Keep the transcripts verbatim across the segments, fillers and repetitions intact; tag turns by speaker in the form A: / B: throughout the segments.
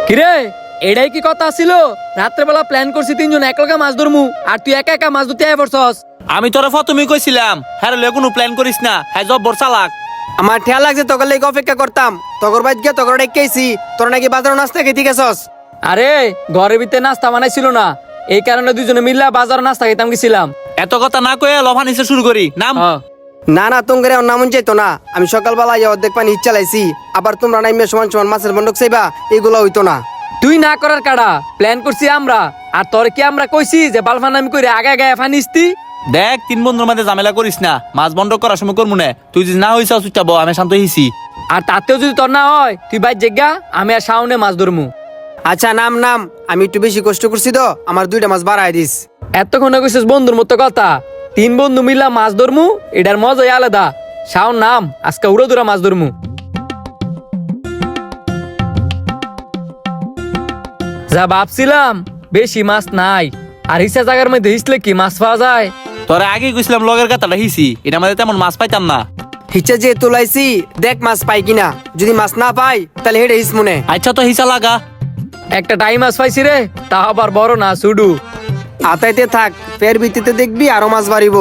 A: কিরে এটাই কি কথা ছিল? রাত্রেবেলা প্ল্যান করছি তিনজন একলগে মাছ ধরমু, আর তুই একা একা মাছ ধরতে আয় পড়ছস।
B: আমি তোরে প্রথমেই কইছিলাম হ্যাঁ লে কোনো প্ল্যান করিস না, হ্যাঁ জব বর্ষা লাগ।
C: আমার ঠেয়া লাগছে তোকে লেগে অপেক্ষা করতাম, তগর বাইত গিয়ে তগর ডেকেছি, তোর নাকি বাজার নাস্তা খেতে গেছস।
A: আরে ঘরের ভিতরে নাস্তা বানাইছিল না, এই কারণে দুজনে মিললা বাজার নাস্তা খেতাম গেছিলাম।
B: এত কথা না কয়ে লফা নিচে শুরু করি নাম।
A: হ্যাঁ।
C: না না তোমরা নামন চাইতো না, আমি সকালবেলা ইয়ে অর্ধেক পানি ইচ্ছা লাইছি, আবার তোমরা নাইমে সমান সমান মাছের বন্ধক চাইবা, এগুলো হইতো না।
A: তুই না করার কাড়া প্ল্যান করছি আমরা, আর তোর কি আমরা কইছি যে বালফান আমি কইরে আগে আগে ফানিস্তি?
B: দেখ তিন বন্ধুর মধ্যে ঝামেলা করিস না, মাছ বন্ধ করার সময় করবো না। তুই যদি না হইস চুপচাপ আমি শান্ত হইছি।
A: আর তাতেও যদি তোর না হয় তুই বাইর জেগা, আমি আর শাওনে মাছ ধরমু।
C: আচ্ছা নাম নাম, আমি একটু বেশি কষ্ট করছি তো, আমার দুইটা মাছ বাড়াই দিস।
A: এতক্ষণে কইছিস বন্ধুর মতো কথা, তিন বন্ধু মিললা মাছ ধরমু, এটার মজাই আলাদা। শাওন নাম, আজকে উড়ো দুরা মাছ ধরমু। যা ভাবছিলাম বেশি মাছ নাই, আর হিসা জায়গার মধ্যে হিসলে কি মাছ পাওয়া যায়?
B: তোরে আগে কইছিলাম লগের কথাটা হিসি, এটা আমাদের তেমন মাছ পাইতাম না।
C: হিচা যে তোলাইছি দেখ মাছ পাই কিনা, যদি মাছ না পাই তাহলে হেডে হিস মনে।
B: আচ্ছা তো হিসা লাগা।
A: একটা টাই মাছ পাইছি রে, তা আবার বড় না, সুডু।
C: আতাইতে থাক, ফের ভিত্তিতে দেখবি আরো মাছ বাড়িব।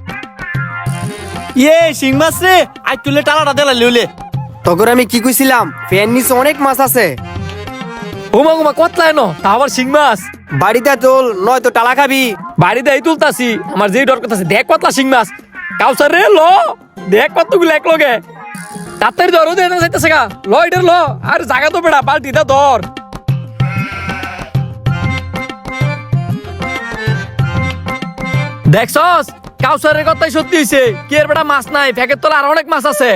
B: ইয়ে শিং মাছ রে, আজ তুলে টালাটা দেলা লিউলে।
C: তখন আমি কি কইছিলাম, ফের নিচে অনেক মাছ আছে।
A: উমা উমা কতলা এনো, তা আবার শিং মাছ।
C: বাড়িতে তোল, নয়তো টালা খাবি।
A: বাড়িতে এই তুলতাছি, আমার যেই ডর করতেছে, দেখ কতলা শিং মাছ। কাউসার রে ল, দেখ কতগুলো এক লগে। তাড়াতাড়ি ধরো দে না যাইতেছে গা, ল এটার ল। আর জায়গা তো বেড়া, বালতিটা ধর। দেখছস কাউসারের কথাই সত্যি হইছে, কি এর বেটা মাছ নাই, ফ্যাকের তলা আর অনেক মাছ আছে।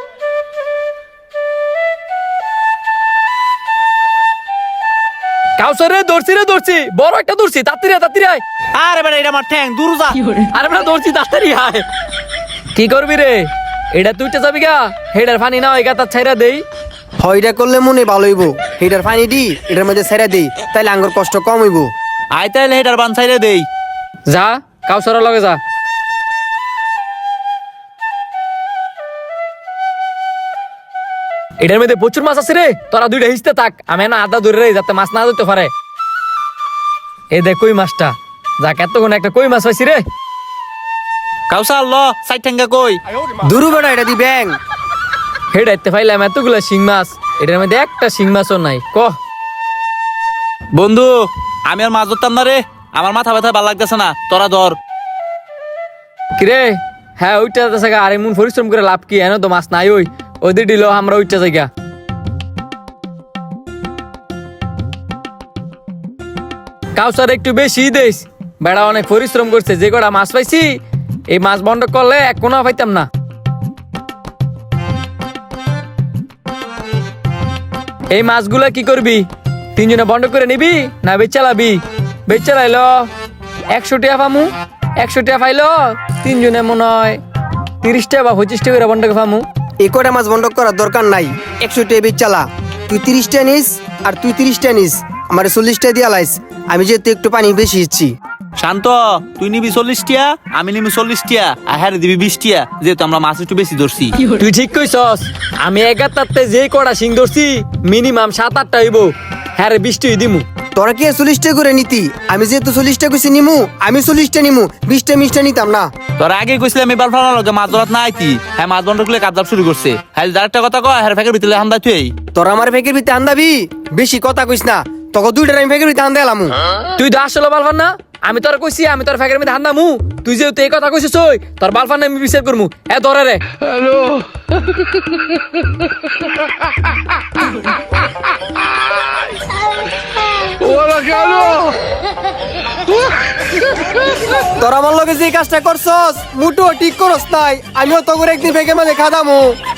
A: কাউসার রে ধরছি রে ধরছি, বড় একটা ধরছি, তাড়াতাড়ি আয়, তাড়াতাড়ি আয়।
B: আরে বেটা এটা আমার ঠ্যাং দূর যা।
A: আরে বেটা ধরছি, তাড়াতাড়ি আয়। কি করবি রে, এটা তুইটা যাবি গা, হেডার পানি না হয় গা, তার ছাইরা দেই।
C: হইটা করলে মনে ভালো হইব, হেটার পানি দি এটার মধ্যে ছেড়ে দেই, তাইলে আঙ্গুর কষ্ট কম হইব।
B: আয় তাইলে হেটার বান ছাইরে দেই।
A: যা কাউসারের লগে যা। এটার মধ্যে প্রচুর মাছ আছে রে, তোরা দুইটা হিসতে থাক, আমি না আদা ধরে রে, যাতে মাছ না ধরতে পারে। এই দেখ কই মাছটা, যাক এতক্ষণ একটা কই মাছ পাইছি রে।
B: কাউসার ল সাইড ঠ্যাঙ্গা কই।
C: দুরু বেটা এটা দি ব্যাং।
A: হেডাইতে পাইলাম এতগুলা শিং মাছ, এটার মধ্যে একটা শিং মাছও নাই। কহ
B: বন্ধু আমি আর মাছ ধরতাম না রে, আমার মাথা ব্যথা ভালো লাগতেছে না, তোরা ধর।
A: কিরে, হ্যাঁ ওইটা জায়গা, আর এমন পরিশ্রম করে লাভ কি, এনে তো মাছ নাই। ওই ওদের দিল আমরা ওইটা জায়গা। কাউসার একটু বেশি দেশ, বেড়া অনেক পরিশ্রম করছে, যে কটা মাছ পাইছি এই মাছ বন্ধ করলে এক কোনো পাইতাম না। এই মাছগুলা কি করবি, তিনজনে বন্ধ করে নিবি না বেচালাবি? বেচালাইল একশো টাকা পামু, একশো টাকা পাইলো তিনজনে মনে হয় তিরিশ টাকা বা পঁচিশ টাকা করে বন্ধ পামু।
C: এই কটা মাছ বন্ধ করার দরকার নাই, একশো টেবিল চালা, তুই তিরিশটা নিস আর তুই তিরিশটা নিস, আমার চল্লিশটা দিয়া লাইস, আমি যেহেতু একটু পানি বেশি ইচ্ছি।
B: শান্ত তুই নিবি চল্লিশ টিয়া, আমি নিবি চল্লিশ টিয়া, আর হ্যাঁ দিবি বিশ টিয়া, যেহেতু আমরা মাছ একটু বেশি ধরছি।
A: তুই ঠিক কইছস, আমি এগারটাতে যে কটা শিং ধরছি মিনিমাম সাত আটটা হইব, হ্যাঁ রে বিশটি দিমু।
C: তোরা কি চল্লিশটা করে নিতি, আমি যেহেতু চল্লিশটা কইছি নিমু, আমি চল্লিশটা নিমু, বিশটা মিশটা নিতাম না।
B: তোর আগে কইছিলাম এবার ফালার লগে মাছ ধরাত না আইতি, হ্যাঁ মাছ বন্ধ করলে কাজ শুরু করছে। হ্যাঁ যার একটা কথা কয় হ্যাঁ ফেকের ভিতরে হামদা তুই।
C: তোরা আমার ফেকের ভিতরে আন্দাবি, বেশি কথা কইস না, তোকে দুইটার আমি ফেকের ভিতরে আন্দা এলামু।
A: তুই তো আসলে বালফান না, আমি তোর কইছি আমি তোর ফ্যাকের মধ্যে হান্দামু, তুই যেহেতু এই কথা কইছিস ওই তোর বালফান আমি বিচার করমু। এ ধরে রে। হ্যালো
C: তোরা আমার লগে যে কাজটা করছস মুটো ঠিক করস নাই, আমিও তো করে একদিন ফেকের মাঝে খাদামু।